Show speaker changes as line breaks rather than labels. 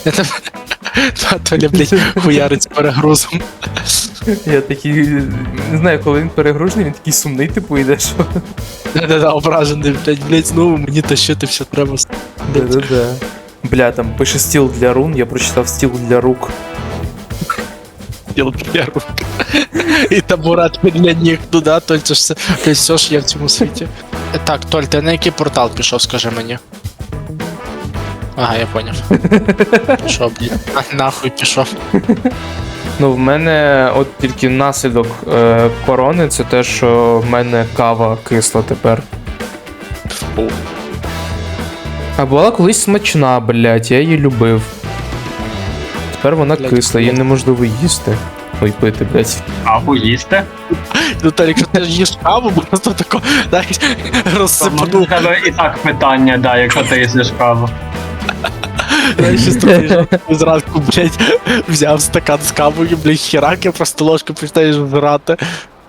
Толя, блядь, хуярить з перегрузом.
Я такий, не знаю, коли він перегружений, він такий сумний, типу, йде, що.
Да-да-да, ображений, блядь, знову мені тащити все треба.
Да-да-да. Бля, там пише стіл для рун, я прочитав стіл для рук.
Стіл для рук. І табурет для ніг, ну да, Толь, це ж все ж є в цьому світі. Так, Толь, ти на який портал пішов, скажи мені? Ага, я поняв. Пішов, блядь. Нахуй пішов.
Ну, в мене от тільки наслідок корони, це те, що в мене кава кисла тепер.
Фу.
А була колись смачна, блядь, я її любив. Тепер вона
Блядь,
кисла, її неможливо їсти. Ой, пити, блядь.
Каву їсти?
Ну, Толь, якщо ти ж їш каву, просто тако, знаєш,
Тому
розсипану.
в тебе і так питання, да, якщо ти їсиш каву.
Знаєш, що приїжджав зранку, блядь, взяв стакан з кавою, блядь, херак, я просто ложку починаєш вбирати.